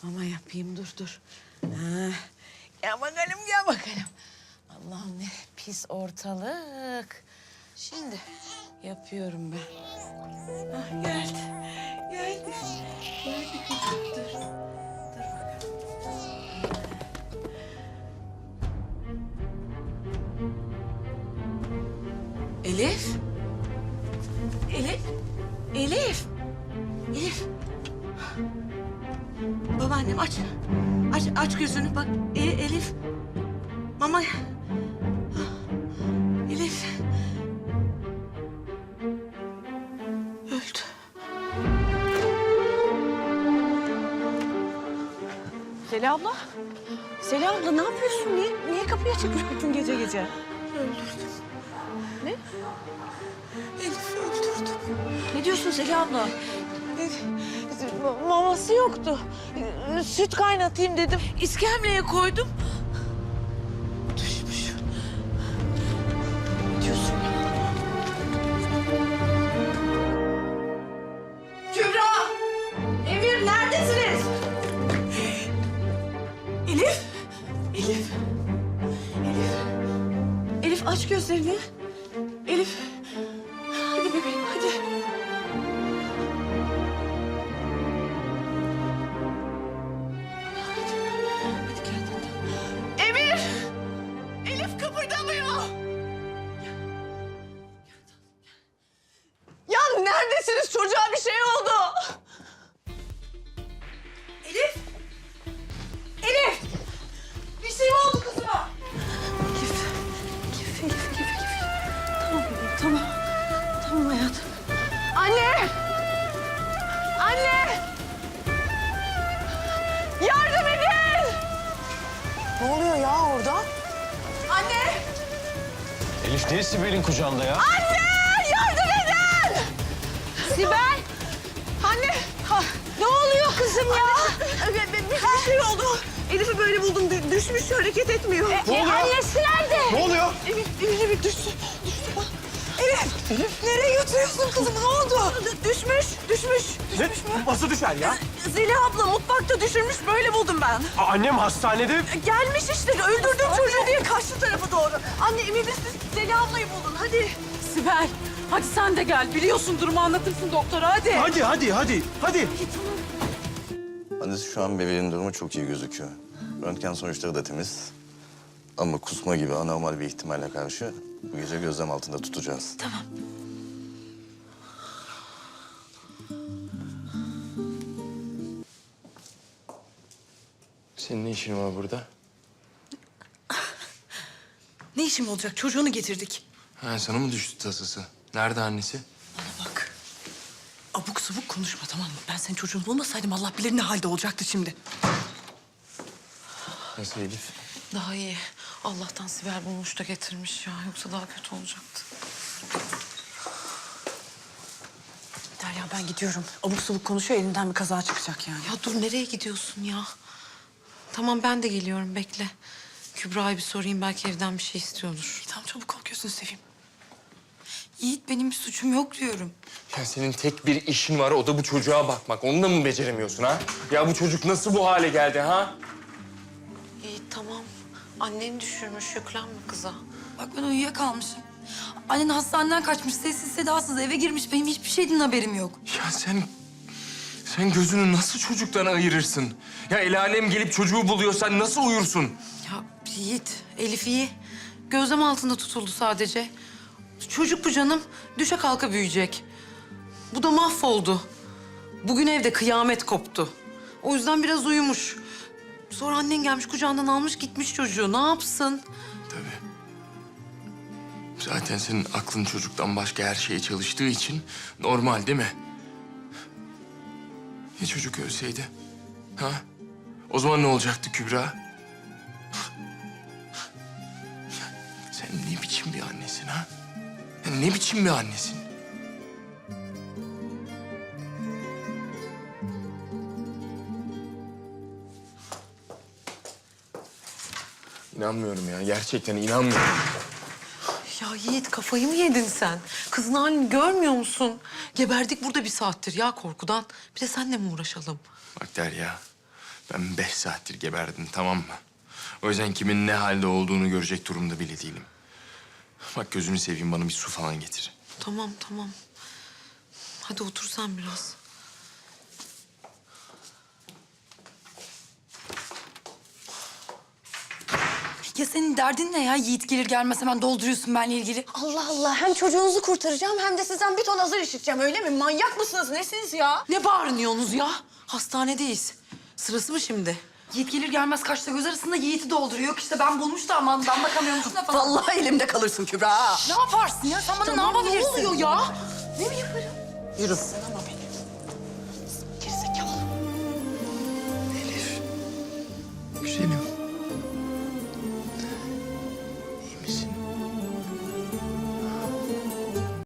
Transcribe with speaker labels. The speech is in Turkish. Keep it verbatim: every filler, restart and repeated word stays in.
Speaker 1: Mama yapayım, dur dur. Ha. Gel bakalım, gel bakalım. Allah'ım ne pis ortalık. Şimdi yapıyorum ben. Ah, geldi, geldi. Geldi kızım, dur. Dur bakalım. Elif. Elif. Elif. Elif. Babaannem aç. Aç, aç gözünü bak. E, Elif. Mama. Elif. Öldü.
Speaker 2: Selah abla. Selah abla ne yapıyorsun? Niye, niye kapıyı açık bıraktın gece gece?
Speaker 1: Öldürdüm.
Speaker 2: Ne?
Speaker 1: Elif öldürdüm.
Speaker 2: Ne diyorsun Selah abla?
Speaker 1: Maması yoktu. Süt kaynatayım dedim. İskemleye koydum. Düşmüş.
Speaker 2: Ne diyorsun ya?
Speaker 1: Kübra! Emir neredesiniz?
Speaker 2: Elif! Elif! Elif! Elif aç gözlerini. Elif! Hadi bebeğim hadi. Hadi gel tatlım.
Speaker 1: Emir! Elif kıpırdamıyor.
Speaker 2: Ya neredesiniz? Çocuğa bir şey oldu. Elif! Elif! Bir şey mi oldu kızıma? Elif, Elif, Elif, Elif, Elif. Tamam bebeğim, tamam. Tamam hayatım. Anne! Anne! Yardım edin!
Speaker 1: Ne oluyor ya orada?
Speaker 2: Anne!
Speaker 3: Elif niye Sibel'in kucağında ya?
Speaker 2: Anne! Yardım edin! Sibel! Anne! Ha, ne oluyor kızım ya? Bir, bir, bir şey oldu. Elif'i böyle buldum. Dü- düşmüş, hareket etmiyor.
Speaker 3: Ne oluyor?
Speaker 2: Annesi nerede?
Speaker 3: Ne oluyor?
Speaker 2: Elif, Elif, Elif düştü. Düştü bak. Elif! Elif! Nereye götürüyorsun kızım? Ne oldu? D- düşmüş, düşmüş.
Speaker 3: Ne? Nasıl düşer ya?
Speaker 2: Zeliha abla mutfakta düşürmüş. Böyle buldum ben.
Speaker 3: Aa, annem hastanede.
Speaker 2: Gelmiş işte. Öldürdüm çocuğu diye karşı tarafa doğru. Anne emin misin? Zeliha ablayı bulun. Hadi.
Speaker 4: Sibel, hadi sen de gel. Biliyorsun durumu anlatırsın doktora, hadi.
Speaker 3: Hadi hadi hadi hadi.
Speaker 5: Annesi şu an bebeğin durumu çok iyi gözüküyor. Röntgen sonuçları da temiz. Ama kusma gibi anormal bir ihtimalle karşı bu gece gözlem altında tutacağız.
Speaker 2: Tamam.
Speaker 6: Senin ne işin var burada?
Speaker 2: Ne işim olacak? Çocuğunu getirdik.
Speaker 6: Ha, sana mı düştü tasası? Nerede annesi?
Speaker 2: Bana bak. Abuk sabuk konuşma tamam mı? Ben senin çocuğunu bulmasaydım Allah bilir ne halde olacaktı şimdi.
Speaker 6: Nasıl Elif?
Speaker 1: Daha iyi. Allah'tan Sibel bulmuş da getirmiş ya. Yoksa daha kötü olacaktı.
Speaker 2: Derya ben gidiyorum. Abuk sabuk konuşuyor elinden bir kaza çıkacak yani.
Speaker 1: Ya dur nereye gidiyorsun ya? Tamam ben de geliyorum bekle. Kübra'ya bir sorayım belki evden bir şey istiyordur.
Speaker 2: Tamam çabuk ol gözünü seveyim.
Speaker 4: Yiğit benim bir suçum yok diyorum.
Speaker 6: Ya senin tek bir işin var, o da bu çocuğa bakmak. Onu da mı beceremiyorsun ha? Ya bu çocuk nasıl bu hale geldi ha?
Speaker 1: İyi tamam. Annen düşürmüş yüklenme kıza.
Speaker 4: Bak ben uyuyakalmışım. Annen hastaneden kaçmış, sessiz sedasız eve girmiş. Benim hiçbir şeyden haberim yok.
Speaker 6: Ya sen... Sen gözünü nasıl çocuktan ayırırsın? Ya el alem gelip çocuğu buluyor, sen nasıl uyursun?
Speaker 1: Ya Yiğit, Elif iyi. Gözlem altında tutuldu sadece. Çocuk bu canım. Düşe kalka büyüyecek. Bu da mahvoldu. Bugün evde kıyamet koptu. O yüzden biraz uyumuş. Sonra annen gelmiş kucağından almış gitmiş çocuğu. Ne yapsın?
Speaker 6: Tabii. Zaten senin aklın çocuktan başka her şeye çalıştığı için normal değil mi? Ya çocuk ölseydi? Ha? O zaman ne olacaktı Kübra? Sen ne biçim bir annesin ha? Ya ne biçim bir annesin? İnanmıyorum ya. Gerçekten inanmıyorum.
Speaker 1: Ya Yiğit kafayı mı yedin sen? Kızın halini görmüyor musun? Geberdik burada bir saattir ya korkudan. Bir de seninle mi uğraşalım?
Speaker 6: Bak Derya, Ben beş saattir geberdim, tamam mı? O yüzden kimin ne halde olduğunu görecek durumda bile değilim. Bak gözünü seveyim, bana bir su falan getir.
Speaker 1: Tamam tamam. Hadi otur sen biraz.
Speaker 4: Ya senin derdin ne ya? Yiğit gelir gelmez hemen dolduruyorsun benimle ilgili.
Speaker 2: Allah Allah, hem çocuğunuzu kurtaracağım hem de sizden bir ton hazır işiteceğim, öyle mi? Manyak mısınız, nesiniz ya?
Speaker 1: Ne bağırıyorsunuz ya? Hastanedeyiz. Sırası mı şimdi?
Speaker 4: Yiğit gelir gelmez kaçta göz arasında Yiğit'i dolduruyor. Yok işte ben bulmuş da aman ben bakamıyormuşum da falan.
Speaker 2: Vallahi elimde kalırsın Kübra.
Speaker 4: Ne yaparsın ya? Sen bana ne
Speaker 2: Tamam,
Speaker 4: yapabilirsin?
Speaker 2: ne oluyor ya?
Speaker 1: Yürü.
Speaker 2: Sınama beni.